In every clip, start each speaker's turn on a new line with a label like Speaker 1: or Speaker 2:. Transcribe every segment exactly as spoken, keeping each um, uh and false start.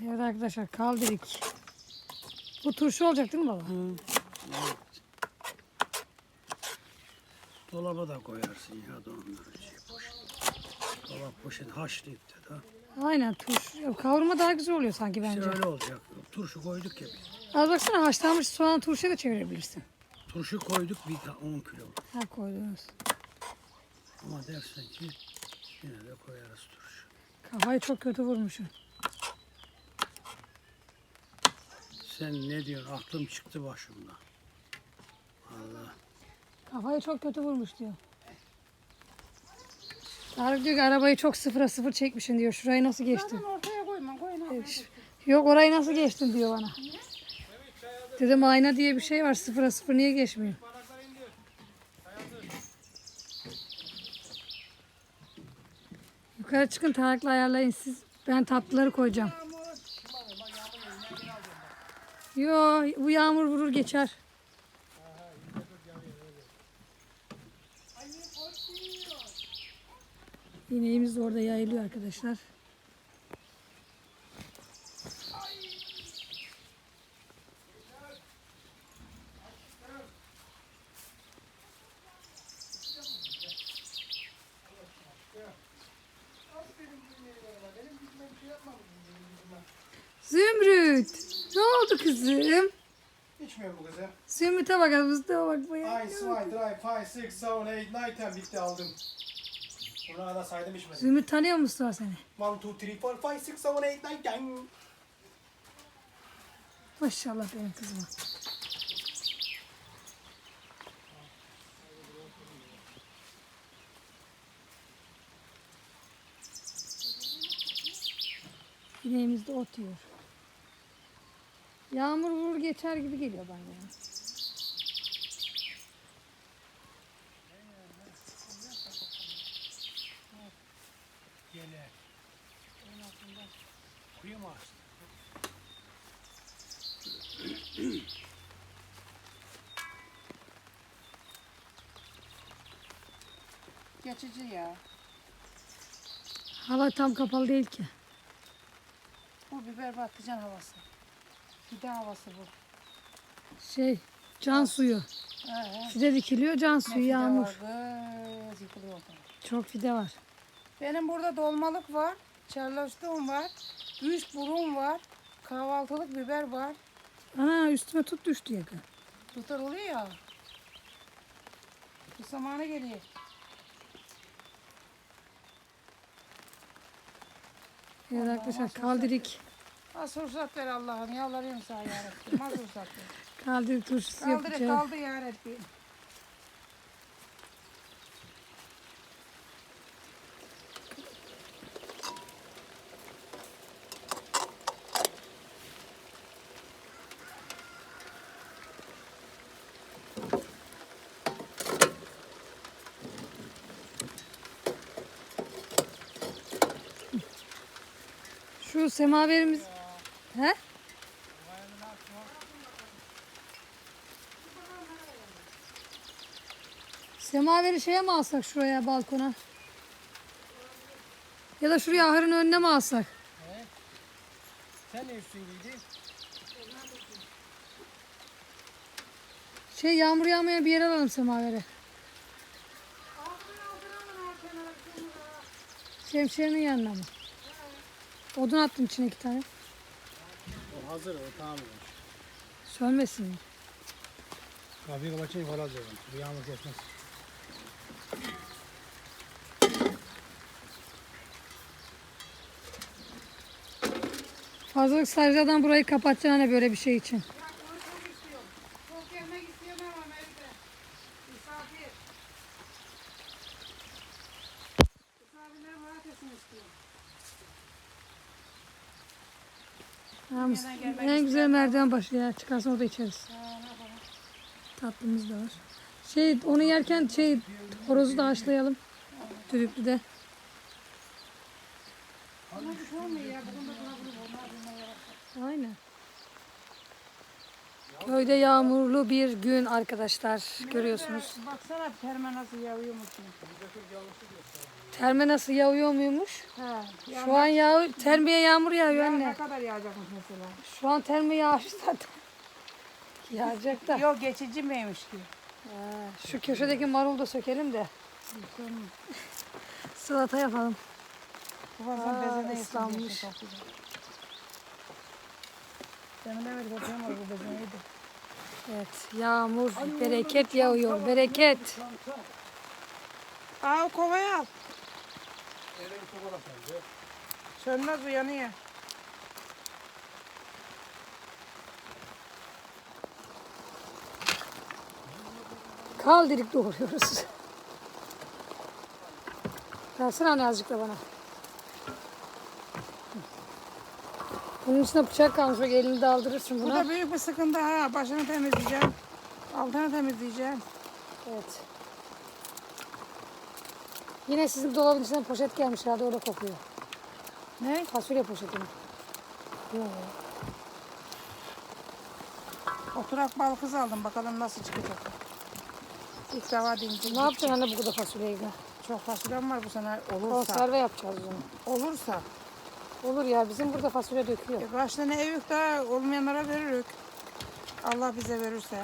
Speaker 1: Evet arkadaşlar kaldırdık. Bu turşu olacak değil mi baba?
Speaker 2: Hı. Evet. Dolaba da koyarsın ya da onları. Şey, poşet. Dolap poşet haşlayıp da.
Speaker 1: Aynen turşu. Kavurma daha güzel oluyor sanki bence.
Speaker 2: İşte öyle olacak. Turşu koyduk ya biz.
Speaker 1: Az baksana haşlanmış soğan turşuya da çevirebilirsin.
Speaker 2: Turşu koyduk bir ta- on kilo.
Speaker 1: Ha koydunuz.
Speaker 2: Ama dersen ki yine de koyarız turşu.
Speaker 1: Kafayı çok kötü vurmuşum.
Speaker 2: Sen ne diyorsun? Aklım çıktı başımdan. Allah.
Speaker 1: Kafayı çok kötü vurmuş diyor. Tarık diyor ki arabayı çok sıfıra sıfır çekmişsin diyor. Şurayı nasıl geçtin?
Speaker 3: Zaten ortaya koyma, koyma.
Speaker 1: Yok orayı nasıl geçtin diyor bana. Dedim ayna diye bir şey var sıfıra sıfır niye geçmiyor? Yukarı çıkın Tarık'la ayarlayın siz. Ben tatlıları koyacağım. Yo bu yağmur vurur geçer. İneğimiz de orada yayılıyor arkadaşlar. Zümrüt. Ne oldu kızım?
Speaker 4: İçmiyor bu kızım.
Speaker 1: Zümrüt'e bakalım. Mustafa bak bu ya.
Speaker 4: Ay, zwei, drei, five, six, seven, eight, nine, ten bitti aldım. Buna kadar saydım içmedim.
Speaker 1: Zümrüt tanıyor mu Mustafa seni?
Speaker 4: one, two, three, four, five, six, seven, eight, nine, ten.
Speaker 1: Maşallah benim kızıma. İneğimiz de ot yiyor. Yağmur vurur geçer gibi geliyor bana. Ya.
Speaker 2: Gele. Kuyu mu açtı?
Speaker 3: Geçici ya.
Speaker 1: Hava tam kapalı değil ki.
Speaker 3: Bu biber patlıcan havası. Fide havası bu.
Speaker 1: Şey can suyu.
Speaker 3: He.
Speaker 1: Fide dikiliyor can
Speaker 3: Ne
Speaker 1: suyu
Speaker 3: fide
Speaker 1: yağmur.
Speaker 3: var kız, yıkılıyor ortalık.
Speaker 1: Çok fide var.
Speaker 3: Benim burada dolmalık var, çarlaştığım var, üç burun var, kahvaltılık biber var.
Speaker 1: Ana üstüme tut düştü yakın.
Speaker 3: Tutar oluyor ya. Bu zamanı geliyor.
Speaker 1: Evet
Speaker 3: Allah,
Speaker 1: arkadaşlar
Speaker 3: maşallah.
Speaker 1: kaldırık.
Speaker 3: Az fırsat ver Allah'ım, yalvarıyorum sana yarabbim. Az fırsat ver.
Speaker 1: Kaldırık turşusu
Speaker 3: Kaldır,
Speaker 1: yapacağız.
Speaker 3: kaldı yarabbim.
Speaker 1: Şu semaverimiz... He? Semaveri şeye mi alsak şuraya balkona? Ya da şuraya ahırın önüne mi alsak?
Speaker 2: Sen ne üstün giydin?
Speaker 1: Şey yağmur yağmaya bir yere alalım semaveri. Şemsiyenin yanına mı? Odun attım içine iki tane.
Speaker 2: O hazır o tamam.
Speaker 1: Sönmesin mi?
Speaker 2: Kapıyı kapatayım falan diyorum. Bir yağmur kesmez.
Speaker 1: Fazlalık sarıcadan burayı kapatacaksın hani böyle bir şey için.
Speaker 3: Çok yemek istiyorum ama evde. Misafir. Misafirlerim rahat etsin istiyorum.
Speaker 1: Ha, en güzel merdiven başı ya. Çıkarsan orada içeriz.
Speaker 3: Ha, ne yapalım?
Speaker 1: Tatlımız da var. Şey onu yerken şey horozu da haşlayalım. Düdüklüde.
Speaker 3: Buna bir şey olmuyor ya. Bugün de buna bunu olmaz.
Speaker 1: Aynen. Köyde yağmurlu bir gün arkadaşlar. Görüyorsunuz.
Speaker 3: Baksana terme nasıl yağıyor musun?
Speaker 1: Terme nasıl yağıyor muymuş?
Speaker 3: He.
Speaker 1: Şu an yağ, termeye yağmur yağıyor
Speaker 3: Ya ne
Speaker 1: anne.
Speaker 3: kadar yağacakmış mesela?
Speaker 1: Şu an terme yağış zaten. Yağacak da.
Speaker 3: Yok geçici miymiş ki?
Speaker 1: Ha, şu köşedeki marulu da sökelim de. Salata yapalım.
Speaker 3: Bazen
Speaker 1: Aa,
Speaker 3: bezene
Speaker 1: ıslanmış.
Speaker 3: ıslanmış. Demin de bir bakıyorum bu bezeneydi.
Speaker 1: Evet, yağmur, bereket yağıyor, bereket.
Speaker 3: Aa o kovayı al. Sönmez uyanıyor.
Speaker 1: Kaldirik doğruyoruz. Versene anne azıcık da bana. Bunun içine bıçak kalmış, bak elini daldırırsın
Speaker 3: Bu
Speaker 1: buna.
Speaker 3: da büyük bir sıkıntı ha. Başını temizleyeceğim. Altını temizleyeceğim.
Speaker 1: Evet. Yine sizin dolabın içinden poşet gelmiş herhalde, orada kokuyor.
Speaker 3: Ne?
Speaker 1: Fasulye poşeti mi? Yok.
Speaker 3: Oturak bal kız aldım. Bakalım nasıl çıkacak. İlk defa deneyeceğim.
Speaker 1: Ne yapacaksın anne bu kadar fasulyeyi?
Speaker 3: Çok fasulyem var bu sene olursa.
Speaker 1: Konserve yapacağız onu.
Speaker 3: Olursa.
Speaker 1: Olur ya, bizim burada fasulye döküyor.
Speaker 3: E kaç tane ev yok da olmayanlara veririk. Allah bize verirse.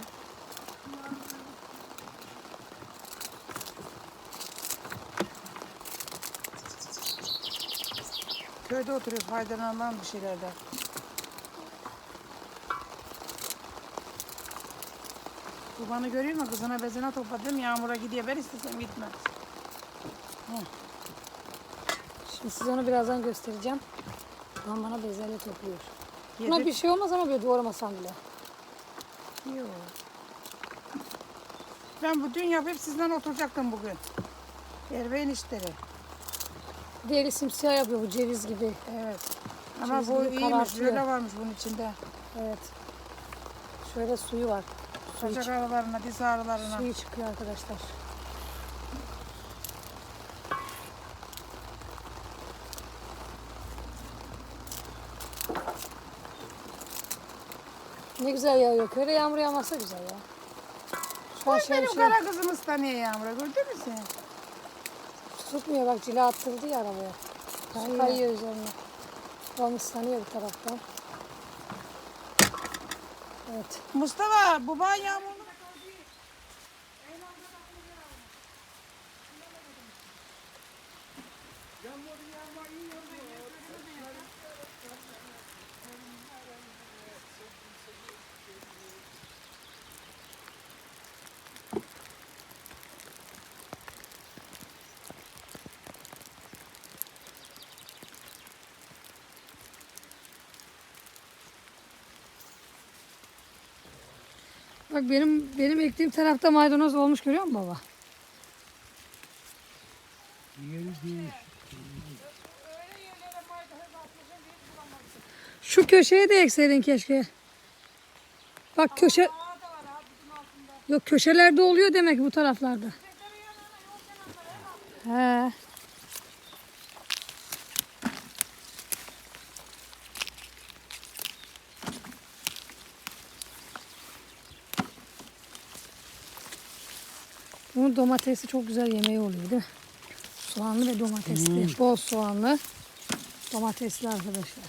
Speaker 3: Köyde oturuyor, faydalanan bir şeylerden. Babanı görüyor musun? Kızına bezine topladım. Yağmura gidiyor. Ben istesem gitmez.
Speaker 1: Şimdi size onu birazdan göstereceğim. Babam bana bezelye topluyor. Buna
Speaker 3: Yedir-
Speaker 1: bir şey olmaz ama böyle doğramasam bile.
Speaker 3: Yok. Ben bu dün yapıp sizden oturacaktım bugün. Erbeğin işleri.
Speaker 1: Deri simsiyah yapıyor bu, ceviz gibi.
Speaker 3: Evet. Ama
Speaker 1: Ceviz
Speaker 3: bu
Speaker 1: gibi
Speaker 3: iyiymiş.
Speaker 1: karartıyor.
Speaker 3: Böyle varmış bunun içinde.
Speaker 1: Evet. Şöyle suyu var. Suyu,
Speaker 3: Bacak
Speaker 1: çık-
Speaker 3: aralarına, diz ağrılarına.
Speaker 1: suyu çıkıyor arkadaşlar. Ne güzel yağıyor. Köyde yağmur yağmazsa güzel ya. Şu an
Speaker 3: Bak
Speaker 1: şey,
Speaker 3: benim
Speaker 1: şey
Speaker 3: kara kızım ıslanıyor Yağmur'a. Gördün mü sen?
Speaker 1: tutmuyor, bak cila attırdı ya arabaya. Su
Speaker 3: Hayır.
Speaker 1: kayıyor üzerine. Babam ıslanıyor bir taraftan. Evet.
Speaker 3: Mustafa, baban Yağmur'un
Speaker 1: Bak benim benim ektiğim tarafta maydanoz olmuş, görüyor musun baba?
Speaker 2: Yeri değil.
Speaker 1: Şu köşeye de ekseydin keşke. Bak köşe... Yok, köşelerde oluyor demek bu taraflarda. He. Bunun domatesi çok güzel yemeği oluyor değil mi? Soğanlı ve domatesli. Bol soğanlı. Domatesli arkadaşlar.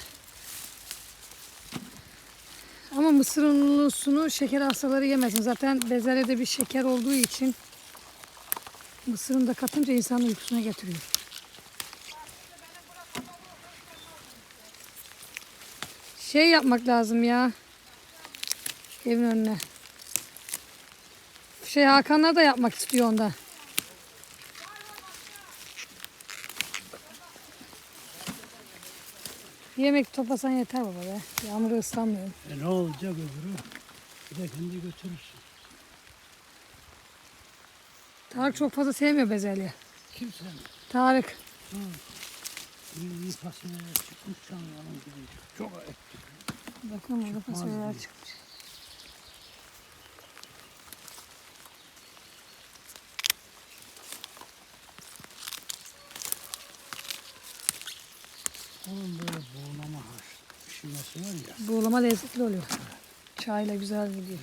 Speaker 1: Ama mısır unlusunu şeker hastaları yemesin. Zaten bezelyede bir şeker olduğu için mısırını da katınca insanın uykusuna getiriyor. Şey yapmak lazım ya. Evin önüne. Şey, Hakanlar da yapmak istiyor onda. Yemek toplasan yeter baba be. Yağmurda ıslanmıyorum.
Speaker 2: E ne olacak öbürü? Bir de kendi götürürsün.
Speaker 1: Tarık çok fazla sevmiyor bezelye.
Speaker 2: Kimse mi?
Speaker 1: Tarık.
Speaker 2: Bir iyi fasulye çıkmış canlarım gibi. Çok ektik.
Speaker 1: Bakın burada
Speaker 2: Çıkmaz
Speaker 1: fasulyeler
Speaker 2: diyor.
Speaker 1: çıkmış.
Speaker 2: Onun böyle buğulama haş pişirmesi var ya.
Speaker 1: Buğulama lezzetli oluyor. Çayla güzel gidiyor.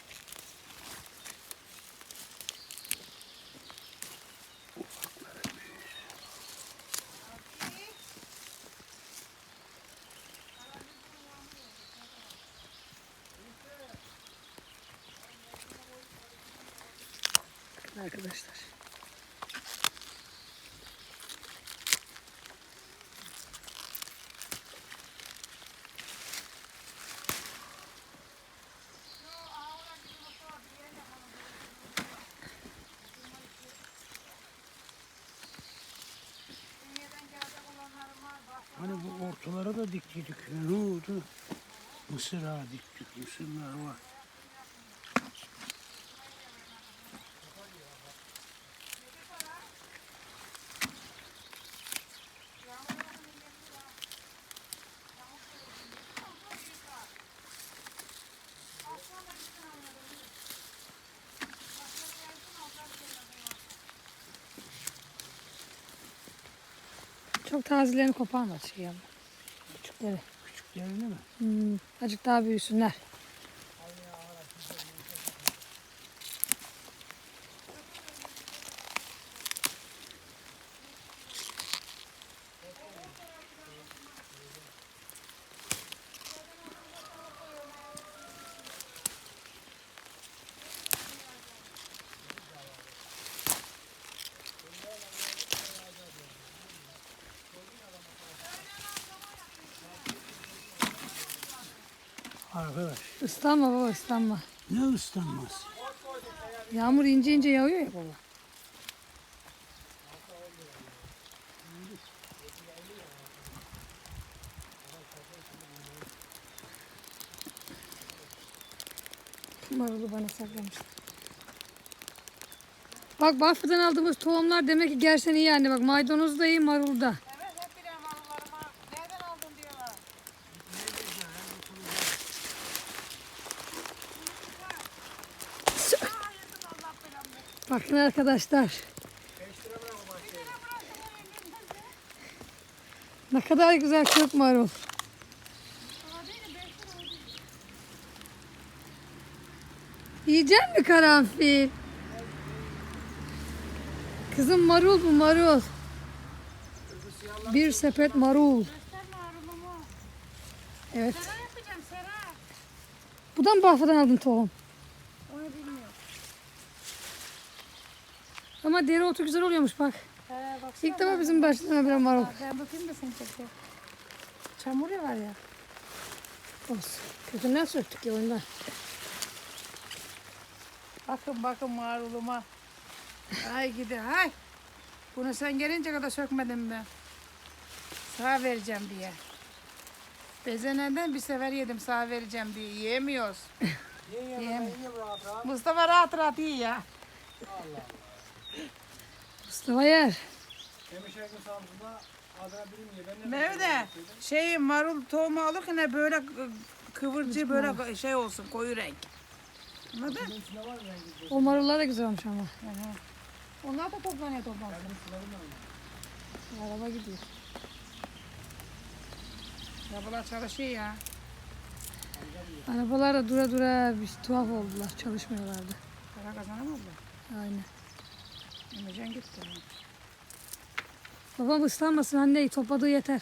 Speaker 1: Arkadaşlar.
Speaker 2: Hani bu ortalara da diktiydik. Ya, ne oldu? Mısır ağa diktik. Mısırlar var.
Speaker 1: Çok tazelerini koparma şey yapma. Küçükleri.
Speaker 2: Küçüklerini mi?
Speaker 1: Hmm, azıcık daha büyüsünler.
Speaker 2: Arkadaş.
Speaker 1: Islanma baba, ıslanma.
Speaker 2: Ne ıslanmaz?
Speaker 1: Yağmur ince ince yağıyor ya baba. Marulu bana saklamışlar. Bak Bafra'dan aldığımız tohumlar demek ki gerçekten iyi anne. Bak maydanoz da iyi, marul da.
Speaker 3: Evet hep biliyorum marullarıma. Nereden aldın diyorlar.
Speaker 1: Bakın arkadaşlar. Ne kadar güzel kök marul. Yiyecek mi karanfil? Kızım marul bu marul. Bir sepet marul.
Speaker 3: Göster marulumu.
Speaker 1: Evet.
Speaker 3: Sera yapacağım sera.
Speaker 1: Buradan Bafra'dan aldın tohum.
Speaker 3: Onu bilmiyorum.
Speaker 1: Ama dereotu güzel oluyormuş bak.
Speaker 3: He baksana.
Speaker 1: İlk defa bizim başımıza bir marul.
Speaker 3: Ben bakayım da seni çekeyim. Çamur ya var ya.
Speaker 1: Olsun. Kökünden söktük ya ondan.
Speaker 3: Bakın bakın maruluma. Ay gidi hay. Bunu sen gelince kadar sökmedim ben. Sağ vereceğim diye. Bezenenden bir sefer yedim sağ vereceğim diye. Yiyemiyoruz. Yiyem. Mustafa rahat rahat iyi ya.
Speaker 1: Mustafa yer.
Speaker 4: Demişerkin Samsun'da adına birim ye. Ben ne
Speaker 3: Mevde şey marul tohumu alırken böyle kı- kıvırcı böyle şey olsun koyu renk. Anladın?
Speaker 1: O marullar da güzel olmuş ama.
Speaker 3: Hı hı. Onlar da toplanıyor toplanıyor.
Speaker 1: Araba gidiyor.
Speaker 3: Arabalar çalışıyor ya.
Speaker 1: Arabalar da dura dura bir tuhaf oldular. Çalışmıyorlardı.
Speaker 3: Para kazanamadılar.
Speaker 1: Aynen.
Speaker 3: Emrecan gitti.
Speaker 1: Babam ıslanmasın anne, topladığı yeter.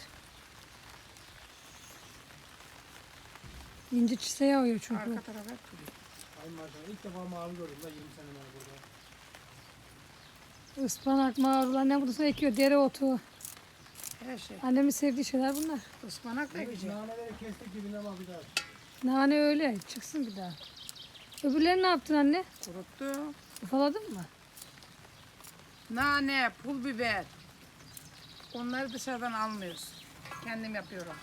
Speaker 1: İnci çise yağıyor çünkü.
Speaker 3: Arka tarafa duruyor.
Speaker 4: Ay maşallah ilk defa mavi gördüm da yirmi sene var burada.
Speaker 1: Ispanak, marul, annem burada ekiyor, dereotu.
Speaker 3: Her şey.
Speaker 1: Annemin sevdiği şeyler bunlar.
Speaker 3: Ispanak da güzel.
Speaker 4: Naneleri kestik dibine bak bir daha.
Speaker 1: Nane öyle, çıksın bir daha. Öbürlerini ne yaptın anne?
Speaker 3: Kuruttu.
Speaker 1: Ufaladın mı?
Speaker 3: Nane, pul biber. Onları dışarıdan almıyoruz. Kendim yapıyorum.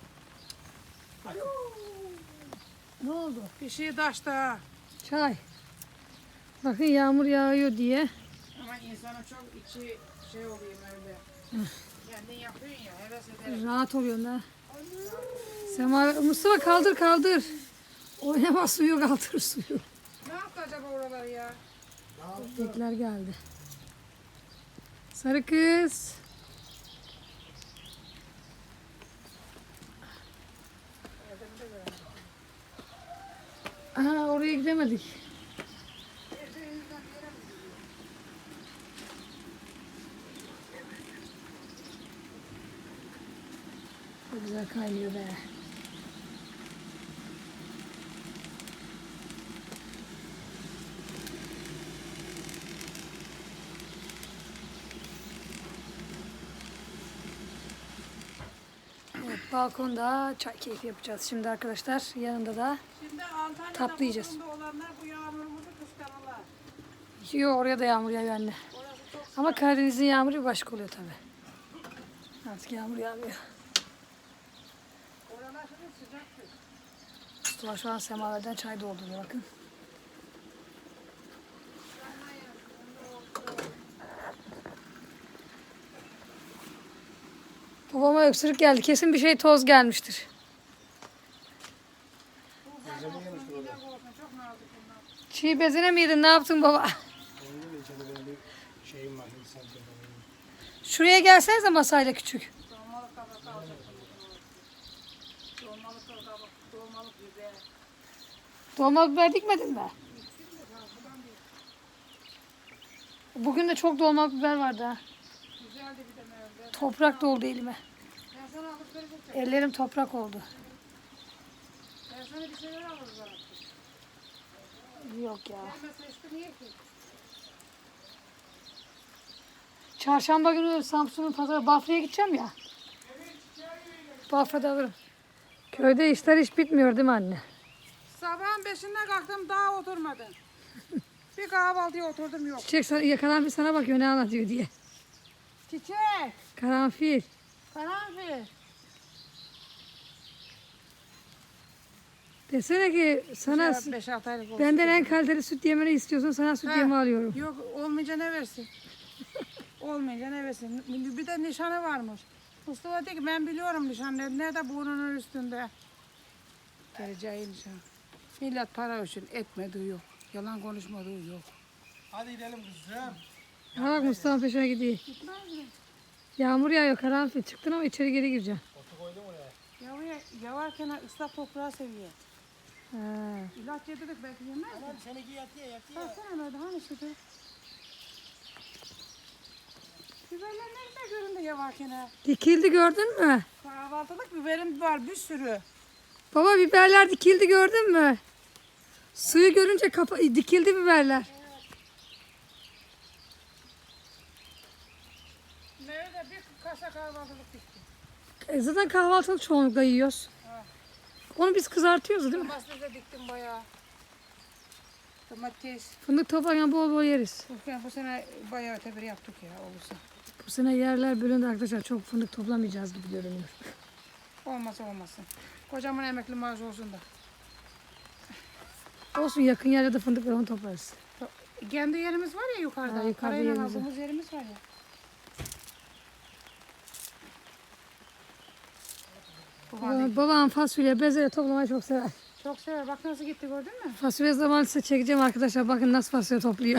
Speaker 1: Ne oldu?
Speaker 3: Bir şey taşta.
Speaker 1: Çay. Bakın yağmur yağıyor diye.
Speaker 3: Ama insanın çok içi şey oluyor öyle. Kendin yapıyorsun ya heves ederek.
Speaker 1: Rahat oluyor ha. Sema, Mustafa kaldır kaldır. Oynama suyu, kaldır suyu.
Speaker 3: Ne yaptı acaba oraları ya?
Speaker 1: Bekler geldi. Sarı kız. yiyemedik. Çok güzel kaynıyor be. Evet, balkonda çay keyfi yapacağız şimdi arkadaşlar. Yanında da
Speaker 3: Şimdi Antalya'da
Speaker 1: tatlı yiyeceğiz.
Speaker 3: Bodrum'da olanlar bu yağmurumuzu kıskanırlar.
Speaker 1: Yok, oraya da yağmur yağıyor anne.
Speaker 3: Orası çok
Speaker 1: Ama Karadeniz'in yağmuru bir başka oluyor tabi. Artık yağmur yağmıyor.
Speaker 3: oralar şimdi sıcaktır.
Speaker 1: Mustafa şu an semaverden çay dolduruyor bakın. Babama öksürük geldi. Kesin bir şey toz gelmiştir.
Speaker 4: Gözleme yemiştir orada.
Speaker 3: Çok nazik bunlar.
Speaker 1: Çiğ bezine mi yedin? Ne yaptın baba?
Speaker 4: Onun gibi içinde benim bir şeyim var. Hindistan çöreği.
Speaker 1: Şuraya gelsenize masayla küçük.
Speaker 3: Dolmalık kabak alacak. Dolmalık kabak, dolmalık biber.
Speaker 1: Dolma biber dikmedin mi? Bugün de çok dolma biber vardı ha.
Speaker 3: Güzeldi bir de mevde.
Speaker 1: Toprak doldu elime.
Speaker 3: Ben sana alıp verecektim.
Speaker 1: Ellerim toprak oldu.
Speaker 3: Ben sana bir şeyler alırız bana.
Speaker 1: Yok ya.
Speaker 3: Gelmese işte niye ki?
Speaker 1: Çarşamba günü Samsun'un pazarı Bafra'ya gideceğim ya. Bafra'da alırım. Köyde işler hiç bitmiyor değil mi anne?
Speaker 3: Sabahın beşinde kalktım daha oturmadın. Bir kahvaltıya oturdum yok.
Speaker 1: Çiçek sana, ya karanfil sana bakıyor ne anlatıyor diye.
Speaker 3: Çiçek,
Speaker 1: Karanfil.
Speaker 3: karanfil.
Speaker 1: Desene ki sana
Speaker 3: beş altı aylık olsun.
Speaker 1: benden en kaliteli süt yemeni istiyorsun, sana süt
Speaker 3: Ha.
Speaker 1: yemi alıyorum.
Speaker 3: Yok olmayınca ne versin? Olmayınca ne versin? Bir de nişanı varmış. Mustafa dedi ki ben biliyorum nişanı. Nerede burnunun üstünde? Geleceği nişan. Millet para için etmediği yok. Yalan konuşmadığı yok.
Speaker 4: Hadi gidelim kızım.
Speaker 1: Ha bak Mustafa peşine gidiyor.
Speaker 3: Gitmez mi?
Speaker 1: Yağmur yağıyor karanfil. Çıktın ama içeri geri gireceksin.
Speaker 4: Otu koydum oraya.
Speaker 3: Yavuya, yavarken ıslak toprağı seviyor.
Speaker 1: Ha.
Speaker 3: İlaç yedirdik belki yemez mi?
Speaker 4: Tamam seninki yatıyor yatıyor.
Speaker 3: Baksana nerede hani şurada. Biberler ne güzel göründü yavarken ha.
Speaker 1: Dikildi gördün mü?
Speaker 3: Kahvaltılık biberim var bir sürü.
Speaker 1: Baba biberler dikildi gördün mü? Suyu görünce kapa dikildi biberler.
Speaker 3: Nerede bir kasa kahvaltılık diktim.
Speaker 1: E zaten kahvaltılık çoğunlukla yiyoruz. Onu biz kızartıyoruz değil mi?
Speaker 3: Domates de diktim bayağı. Domates.
Speaker 1: Fındık toplarken bol bol yeriz.
Speaker 3: Bugün bu sene bayağı ötebir yaptık ya olursa.
Speaker 1: Bu sene yerler bölündü arkadaşlar. Çok fındık toplamayacağız gibi görünüyor.
Speaker 3: Olmasa olmasın. Kocamın emekli maaşı olsun da.
Speaker 1: Olsun yakın yerlerde fındık var onu toplarız.
Speaker 3: Kendi yerimiz var ya yukarıda.
Speaker 1: Ha, yukarıda
Speaker 3: Parayla
Speaker 1: yerimiz var.
Speaker 3: aldığımız yerimiz var ya.
Speaker 1: Babam, babam fasulye, bezelye toplamayı çok sever.
Speaker 3: Çok sever. Bak nasıl gitti gördün mü?
Speaker 1: Fasulye zamanı size çekeceğim arkadaşlar. Bakın nasıl fasulye topluyor.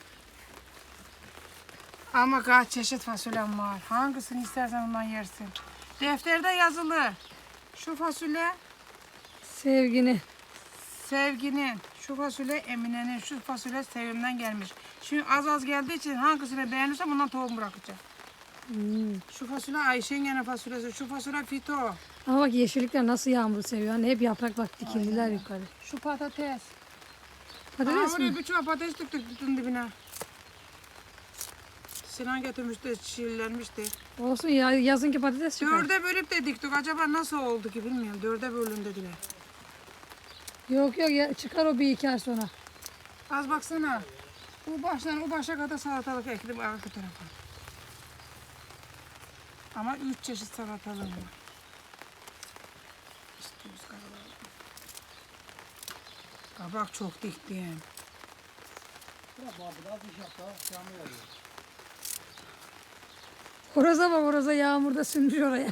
Speaker 3: Ama kaç çeşit fasulyem var. Hangisini istersen ondan yersin. Defterde yazılı. Şu fasulye
Speaker 1: Sevgini.
Speaker 3: Sevginin, şu fasulye Emine'nin, şu fasulye Sevim'den gelmiş. Şimdi az az geldiği için hangisini beğenirsem bundan tohum bırakacağım.
Speaker 1: Hmm.
Speaker 3: Şu fasulye Ayşe'nin gene fasulyesi, şu fasulye Fito,
Speaker 1: Ama bak yeşillikler nasıl yağmuru seviyor. Hani hep yaprak bak dikildiler yukarı.
Speaker 3: şu patates.
Speaker 1: Patates
Speaker 3: Aa,
Speaker 1: mi?
Speaker 3: oraya bir çuval patates döktük tutun dibine. Sinan getirmişti, çiğlenmişti.
Speaker 1: Olsun ya yazınki patates çıkar.
Speaker 3: Dörde bölüp de diktik. Acaba nasıl oldu ki bilmiyorum. Dörde bölün dediler.
Speaker 1: Yok yok ya, çıkar o bir iki ay sonra.
Speaker 3: Az baksana. Bu baştan o başa kadar salatalık ektim arka tarafa. Ama üç çeşit salatalığım var. İstiyoruz kabak. Kabak çok diktim.
Speaker 4: Bırak abi biraz iş yap daha. Yağmur yağıyor.
Speaker 1: Horoza bak horoza yağmurda sürmüş oraya.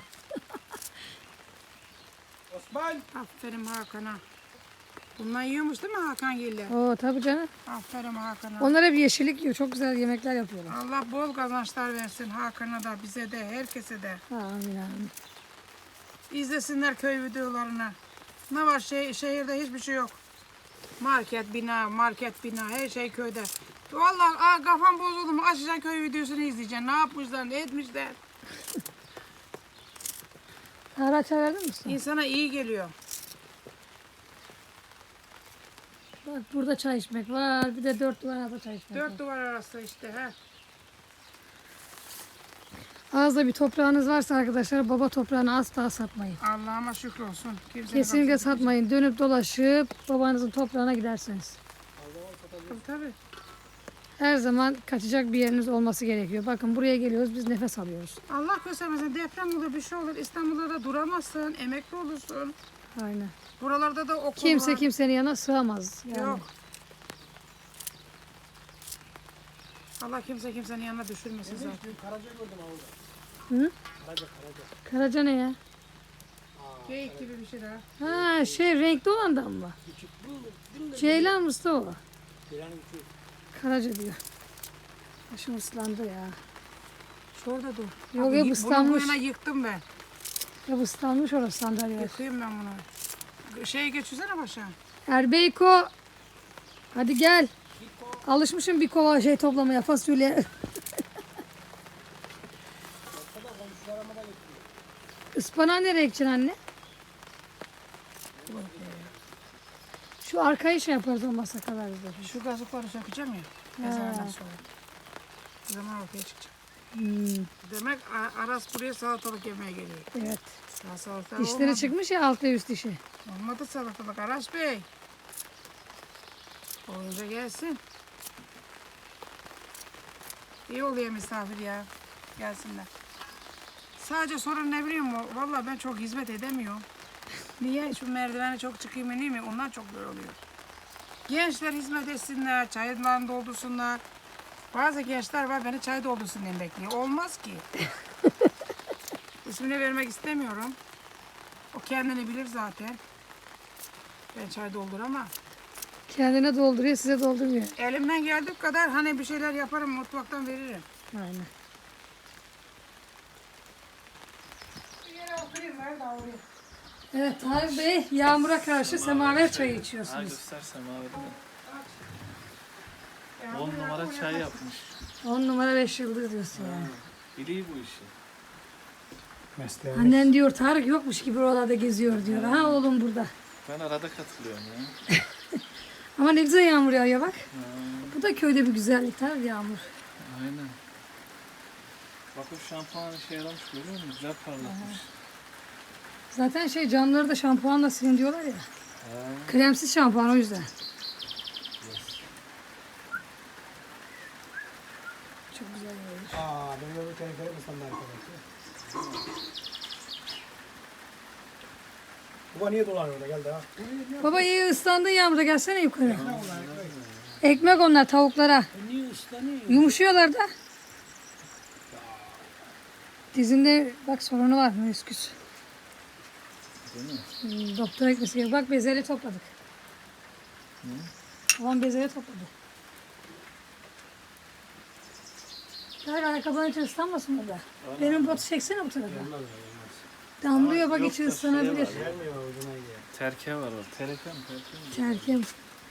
Speaker 4: Osman.
Speaker 3: Aferin Hakan'a. Bundan yiyormuş değil mi Hakan Giller?
Speaker 1: Oo tabii canım.
Speaker 3: Aferin Hakan'a.
Speaker 1: Onlar hep yeşillik yiyor. Çok güzel yemekler yapıyorlar.
Speaker 3: Allah bol kazançlar versin Hakan'a da, bize de, herkese de.
Speaker 1: Amin amin.
Speaker 3: İzlesinler köy videolarını. Ne var şey, şehirde hiçbir şey yok. Market, bina, market, bina, her şey köyde. Vallahi aa, kafam bozuldu mu? Açacaksın köy videosunu izleyeceksin. Ne yapmışlar, ne etmişler.
Speaker 1: Araç verdin mi usta?
Speaker 3: İnsana iyi geliyor.
Speaker 1: Bak burada çay içmek var. Bir de dört duvar arasında çay içmek
Speaker 3: Dört
Speaker 1: var.
Speaker 3: duvar arası işte. He.
Speaker 1: Az da bir toprağınız varsa arkadaşlar baba toprağını asla satmayın.
Speaker 3: Allah'ıma şükür olsun. Kimsenin
Speaker 1: Kesinlikle
Speaker 3: kapısını-
Speaker 1: satmayın. Dönüp dolaşıp babanızın toprağına gidersiniz.
Speaker 3: Tabii tabii.
Speaker 1: Her zaman kaçacak bir yeriniz olması gerekiyor. Bakın buraya geliyoruz biz nefes alıyoruz.
Speaker 3: Allah göstermesin deprem olur bir şey olur. İstanbul'da da duramazsın. Emekli olursun.
Speaker 1: Aynen.
Speaker 3: Buralarda da okul
Speaker 1: Kimse
Speaker 3: var.
Speaker 1: kimsenin yanına sığamaz. Yani.
Speaker 3: Yok. Allah kimse kimsenin yanına düşürmesin zaten.
Speaker 4: Karaca gördüm orada.
Speaker 1: Hı?
Speaker 4: Karaca karaca.
Speaker 1: Karaca ne ya?
Speaker 3: Geyik gibi bir şey daha.
Speaker 1: Ha şey renkli olandan mı? Ceylan mısta o?
Speaker 4: Ceylan'ın küçüğü.
Speaker 1: Karaca diyor. Başım ıslandı ya.
Speaker 3: Şurada dur.
Speaker 1: Yok
Speaker 3: Abi,
Speaker 1: hep
Speaker 3: Bunu bu
Speaker 1: ıslanmış.
Speaker 3: yana yıktım ben.
Speaker 1: Hep ıslanmış orası sandalye.
Speaker 3: Yıkayım ben bunu. Şeye geçirsene başa.
Speaker 1: Erbeyko. Hadi gel. Alışmışım bir kova şey toplamaya fasulye. Ispanağı nereye ekeceksin anne? Şu arkayı şey yaparız olmazsa kadar biz.
Speaker 3: Şu gazıkları sökeceğim ya. Ezandan sonra. O zaman ortaya çıkacak.
Speaker 1: Hmm,
Speaker 3: Demek A- Aras buraya salatalık yemeye geliyor.
Speaker 1: evet.
Speaker 3: Daha salatalık
Speaker 1: Dişleri
Speaker 3: olmadı.
Speaker 1: çıkmış ya alt ve üst dişi.
Speaker 3: Olmadı salatalık Aras Bey. Olunca gelsin. İyi oluyor misafir ya. Gelsinler. Sadece sorun ne biliyor musun? Vallahi ben çok hizmet edemiyorum. Niye? Şu merdivene çok çıkayım ineyim mi? Ondan çok böyle oluyor. Gençler hizmet etsinler, çaylarını doldursunlar. Bazı gençler var beni çay doldursun diye bekliyor. Olmaz ki. İsmini vermek istemiyorum. O kendini bilir zaten. Ben çay dolduramam.
Speaker 1: Kendine dolduruyor size doldurmuyor.
Speaker 3: Elimden geldiği kadar hani bir şeyler yaparım mutfaktan veririm.
Speaker 1: Aynen.
Speaker 3: Bir yere oturayım ver de oraya.
Speaker 1: Evet Tarık Bey yağmura karşı semaver çayı
Speaker 5: Ha
Speaker 1: içiyorsunuz.
Speaker 5: göstersem abi değil mi? on numara çay yapmış.
Speaker 1: On numara beş yıldız diyorsun yani.
Speaker 5: Biliyor bu işi.
Speaker 4: Mesleğimiz.
Speaker 1: Annen diyor Tarık yokmuş gibi oralarda geziyor diyor. Ha oğlum burada.
Speaker 5: Ben arada katılıyorum ya.
Speaker 1: Ama ne güzel yağmur yağıyor bak.
Speaker 5: Ha,
Speaker 1: Bu da köyde bir güzellik Tarık yağmur.
Speaker 5: aynen. Bak o şampuan işe yaramış görüyor musun? Güzel parlatmış.
Speaker 1: Zaten şey camları da şampuanla silin diyorlar ya.
Speaker 5: Ha,
Speaker 1: Kremsiz şampuan o yüzden. Çok güzel yağıyor.
Speaker 4: Aa benim öbür tenekere ıslandı arkadaşlar. Baba niye dolanıyor orada geldi ha?
Speaker 1: Baba iyi ıslandın yağmurda gelsene yukarı. Ekmek onlar tavuklara.
Speaker 2: Niye ıslanıyor?
Speaker 1: Yumuşuyorlar da. Dizinde bak sorunu var menisküs.
Speaker 5: değil mi?
Speaker 1: Hmm, doktora gitmesi gerekiyor. Bak bezelye topladık. Babam bezelye topladı. Hayır ayakkabıların içi ıslanmasın burada. Benim botu çeksene bu tarafa. Damlıyor bak
Speaker 5: Yok
Speaker 1: içi
Speaker 5: da şey var
Speaker 1: ıslanabilir.
Speaker 5: ya.
Speaker 4: Gelmiyor ucuna gidiyor.
Speaker 5: Terke var o. Tereke mi? Terke mi?
Speaker 1: Terkim.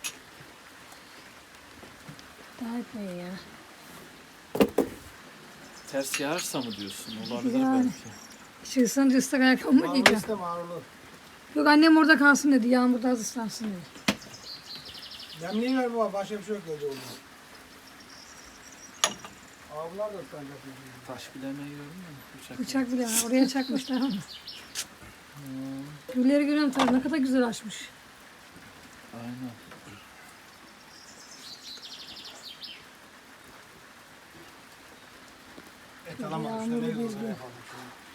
Speaker 1: Daha etmeyin ya.
Speaker 5: Ters yağarsa mı diyorsun? Olabilir
Speaker 1: Yani.
Speaker 5: belki.
Speaker 1: İçi ıslanınca ıslak ayakkabı mı
Speaker 4: Marulu
Speaker 1: giyeceğim?
Speaker 4: iste marulu.
Speaker 1: Yok annem orada kalsın dedi. Yağmurda az ıslansın dedi.
Speaker 4: Demliği ver baba başka bir şey yok dedi orada. Avlar da ıslanacak.
Speaker 5: Taş bilemeyi gördün mü? Bıçak.
Speaker 1: Bıçak bile var. Oraya çakmışlar ama. Gülleri görüyorum tabii. Ne kadar güzel açmış.
Speaker 5: Aynen.
Speaker 4: Et alamadım.
Speaker 1: Yağmuru
Speaker 4: Şöyle
Speaker 1: bir
Speaker 4: olsa
Speaker 1: gün.
Speaker 4: yapalım.